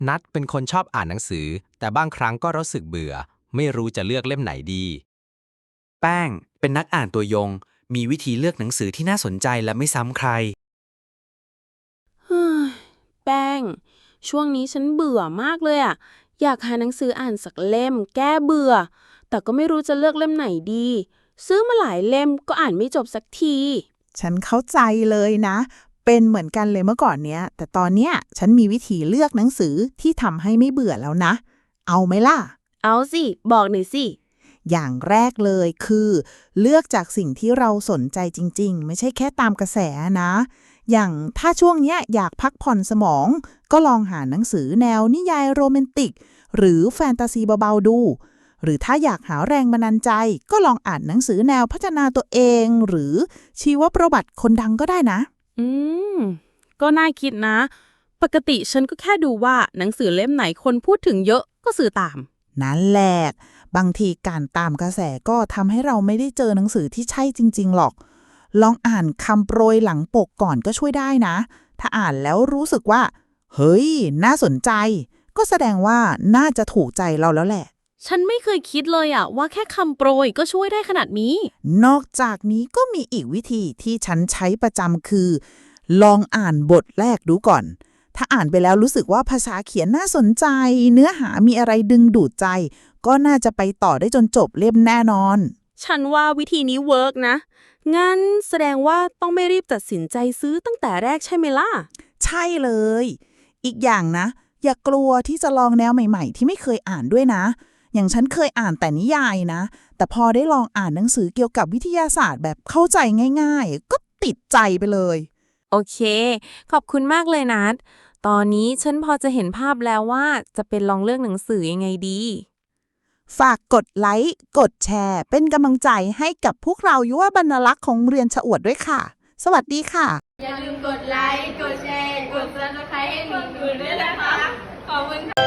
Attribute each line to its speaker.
Speaker 1: นัดเป็นคนชอบอ่านหนังสือแต่บางครั้งก็รู้สึกเบื่อไม่รู้จะเลือกเล่มไหนดี
Speaker 2: แป้งเป็นนักอ่านตัวยงมีวิธีเลือกหนังสือที่น่าสนใจและไม่ซ้ำใคร
Speaker 3: เฮ้ยแป้งช่วงนี้ฉันเบื่อมากเลยอะอยากหาหนังสืออ่านสักเล่มแก้เบื่อแต่ก็ไม่รู้จะเลือกเล่มไหนดีซื้อมาหลายเล่มก็อ่านไม่จบสักที
Speaker 4: ฉันเข้าใจเลยนะเป็นเหมือนกันเลยเมื่อก่อนเนี้ยแต่ตอนเนี้ยฉันมีวิธีเลือกหนังสือที่ทำให้ไม่เบื่อแล้วนะเอาไหมล่ะ
Speaker 3: เอาสิบอกหน่อยสิ
Speaker 4: อย่างแรกเลยคือเลือกจากสิ่งที่เราสนใจจริงๆไม่ใช่แค่ตามกระแสนะอย่างถ้าช่วงเนี้ยอยากพักผ่อนสมองก็ลองหาหนังสือแนวนิยายโรแมนติกหรือแฟนตาซีเบาๆดูหรือถ้าอยากหาแรงบันดาลใจก็ลองอ่านหนังสือแนวพัฒนาตัวเองหรือชีวประวัติคนดังก็ได้นะ
Speaker 3: อืมก็น่าคิดนะ ปกติฉันก็แค่ดูว่าหนังสือเล่มไหนคนพูดถึงเยอะก็ซื้อตาม
Speaker 4: นั่นแหละบางทีการตามกระแสก็ทำให้เราไม่ได้เจอหนังสือที่ใช่จริงๆหรอกลองอ่านคำโปรยหลังปกก่อนก็ช่วยได้นะถ้าอ่านแล้วรู้สึกว่าเฮ้ยน่าสนใจก็แสดงว่าน่าจะถูกใจเราแล้วแหละ
Speaker 3: ฉันไม่เคยคิดเลยอะว่าแค่คำโปรยก็ช่วยได้ขนาดนี้
Speaker 4: นอกจากนี้ก็มีอีกวิธีที่ฉันใช้ประจำคือ ลองอ่านบทแรกดูก่อนถ้าอ่านไปแล้วรู้สึกว่าภาษาเขียนน่าสนใจเนื้อหามีอะไรดึงดูดใจก็น่าจะไปต่อได้จนจบเล่มแน่นอน
Speaker 3: ฉันว่าวิธีนี้เวิร์กนะงั้นแสดงว่าต้องไม่รีบตัดสินใจซื้อตั้งแต่แรกใช่ไหมล่ะ
Speaker 4: ใช่เลยอีกอย่างนะอย่ากลัวที่จะลองแนวใหม่ๆที่ไม่เคยอ่านด้วยนะอย่างฉันเคยอ่านแต่นิยายนะแต่พอได้ลองอ่านหนังสือเกี่ยวกับวิทยาศาสตร์แบบเข้าใจง่ายๆก็ติดใจไปเลย
Speaker 3: โอเคขอบคุณมากเลยนัดตอนนี้ฉันพอจะเห็นภาพแล้วว่าจะเป็นลองเลือกหนังสือยังไงดี
Speaker 4: ฝากกดไลค์กดแชร์เป็นกำลังใจให้กับพวกเรายุวบรรณลักษ์ของเรียนชะอวดด้วยค่ะ สวัสดีค่ะ
Speaker 5: อย่าลืมกดไลค์ กดแชร์ กด Subscribe ให้หนูด้วยนะคะ ขอบคุณค่ะ